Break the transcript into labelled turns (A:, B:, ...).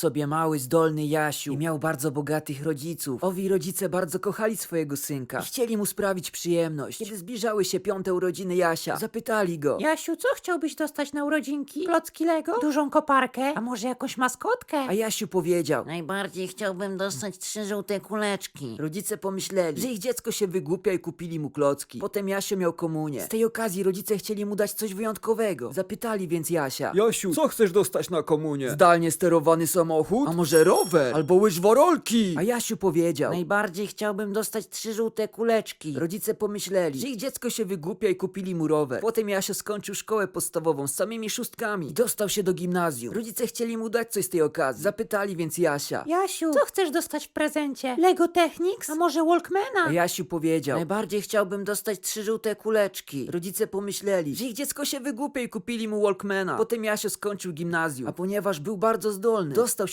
A: sobie mały, zdolny Jasiu i miał bardzo bogatych rodziców. Owi rodzice bardzo kochali swojego synka i chcieli mu sprawić przyjemność. Kiedy zbliżały się 5. urodziny Jasia, zapytali go:
B: Jasiu, co chciałbyś dostać na urodzinki? Klocki Lego? Dużą koparkę? A może jakąś maskotkę?
A: A Jasiu powiedział:
C: Najbardziej chciałbym dostać 3 żółte kuleczki.
A: Rodzice pomyśleli, że ich dziecko się wygłupia i kupili mu klocki. Potem Jasio miał komunię. Z tej okazji rodzice chcieli mu dać coś wyjątkowego. Zapytali więc Jasia:
D: Jasiu, co chcesz dostać na komunię?
A: zdalnie sterowany samochód? A może rower? Albo łyżworolki? A Jasiu powiedział:
C: Najbardziej chciałbym dostać 3 żółte kuleczki.
A: rodzice pomyśleli, że ich dziecko się wygłupia i kupili mu rower. Potem Jasio skończył szkołę podstawową z samymi szóstkami i dostał się do gimnazjum. Rodzice chcieli mu dać coś z tej okazji. Zapytali więc Jasia:
B: Jasiu, co chcesz dostać w prezencie? Lego Technics? A może Walkmana?
A: a Jasiu powiedział:
C: Najbardziej chciałbym dostać 3 żółte kuleczki.
A: rodzice pomyśleli, że ich dziecko się wygłupia i kupili mu Walkmana. Potem Jasio skończył gimnazjum, a ponieważ był bardzo zdolny, dostał